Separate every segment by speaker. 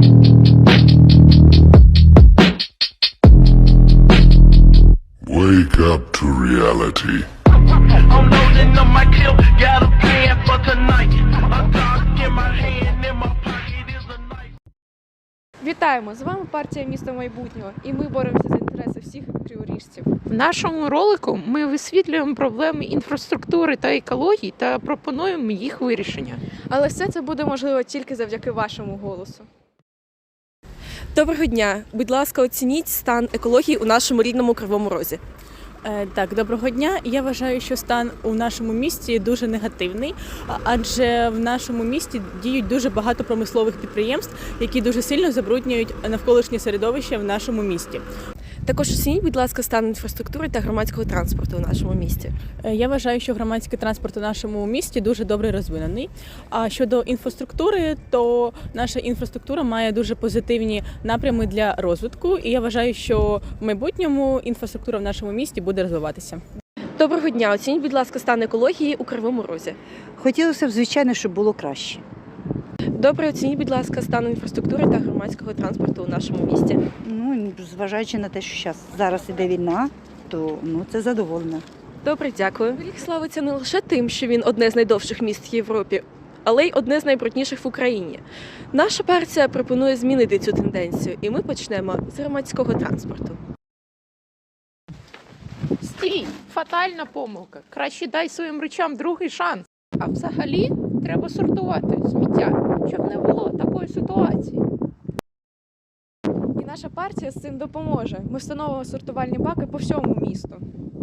Speaker 1: Wake up to reality.
Speaker 2: I'm loading up my clip, got a plan for tonight. A dog in my hand, in my pocket is a knife.
Speaker 3: Вітаємо! З вами партія «Місто майбутнього» і ми боремося за інтереси всіх криворіжців.
Speaker 4: В нашому ролику ми висвітлюємо проблеми інфраструктури та екології та пропонуємо їх вирішення.
Speaker 3: Але все це буде можливо тільки завдяки вашому голосу.
Speaker 5: Доброго дня! Будь ласка, оцініть стан екології у нашому рідному Кривому Розі.
Speaker 6: Так, доброго дня. Я вважаю, що стан у нашому місті дуже негативний, адже в нашому місті діють дуже багато промислових підприємств, які дуже сильно забруднюють навколишнє середовище в нашому місті.
Speaker 5: Також оцініть, будь ласка, стан інфраструктури та громадського транспорту у нашому місті.
Speaker 6: Я вважаю, що громадський транспорт у нашому місті дуже добре розвинений. А щодо інфраструктури, то наша інфраструктура має дуже позитивні напрями для розвитку, і я вважаю, що в майбутньому інфраструктура в нашому місті буде розвиватися.
Speaker 5: Доброго дня! Оцініть, будь ласка, стан екології у Кривому Розі.
Speaker 7: Хотілося б, звичайно, щоб було краще.
Speaker 5: Добре, оцініть, будь ласка, стан інфраструктури та громадського транспорту у нашому місті.
Speaker 7: Зважаючи на те, що зараз іде війна, то це задоволено.
Speaker 5: Добре, дякую. Кривий Ріг славиться не лише тим, що він одне з найдовших міст в Європі, але й одне з найбрудніших в Україні. Наша партія пропонує змінити цю тенденцію, і ми почнемо з громадського транспорту.
Speaker 4: Стій! Фатальна помилка. Краще дай своїм речам другий шанс. А взагалі треба сортувати сміття, щоб не було такої ситуації.
Speaker 3: І наша партія з цим допоможе. Ми встановимо сортувальні баки по всьому місту.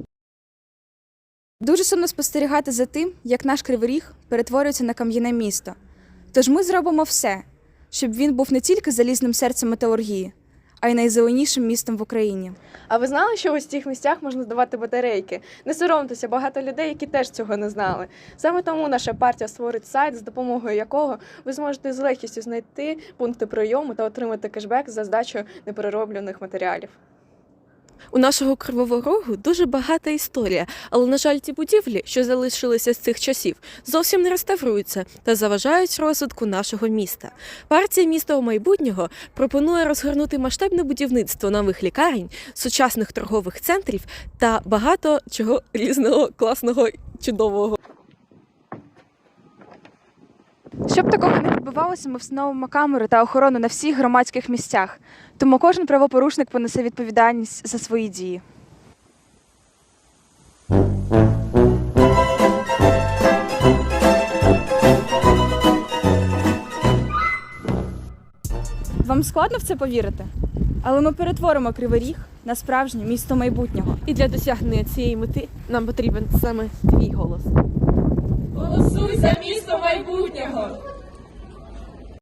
Speaker 8: Дуже сумно спостерігати за тим, як наш Кривий Ріг перетворюється на кам'яне місто. Тож ми зробимо все, щоб він був не тільки залізним серцем металургії, а й найзеленішим містом в Україні.
Speaker 3: А ви знали, що ось в цих місцях можна здавати батарейки? Не соромтеся, багато людей, які теж цього не знали. Саме тому наша партія створить сайт, з допомогою якого ви зможете з легкістю знайти пункти прийому та отримати кешбек за здачу неперероблених матеріалів.
Speaker 5: У нашого Кривого Рогу дуже багата історія, але, на жаль, ті будівлі, що залишилися з цих часів, зовсім не реставруються та заважають розвитку нашого міста. Партія «Місто майбутнього» пропонує розгорнути масштабне будівництво нових лікарень, сучасних торгових центрів та багато чого різного, класного, чудового.
Speaker 8: Щоб такого не відбувалося, ми встановимо камери та охорону на всіх громадських місцях. Тому кожен правопорушник понесе відповідальність за свої дії. Вам складно в це повірити? Але ми перетворимо Кривий Ріг на справжнє місто майбутнього.
Speaker 5: І для досягнення цієї мети нам потрібен саме твій голос.
Speaker 9: Голосуй за місто майбутнього!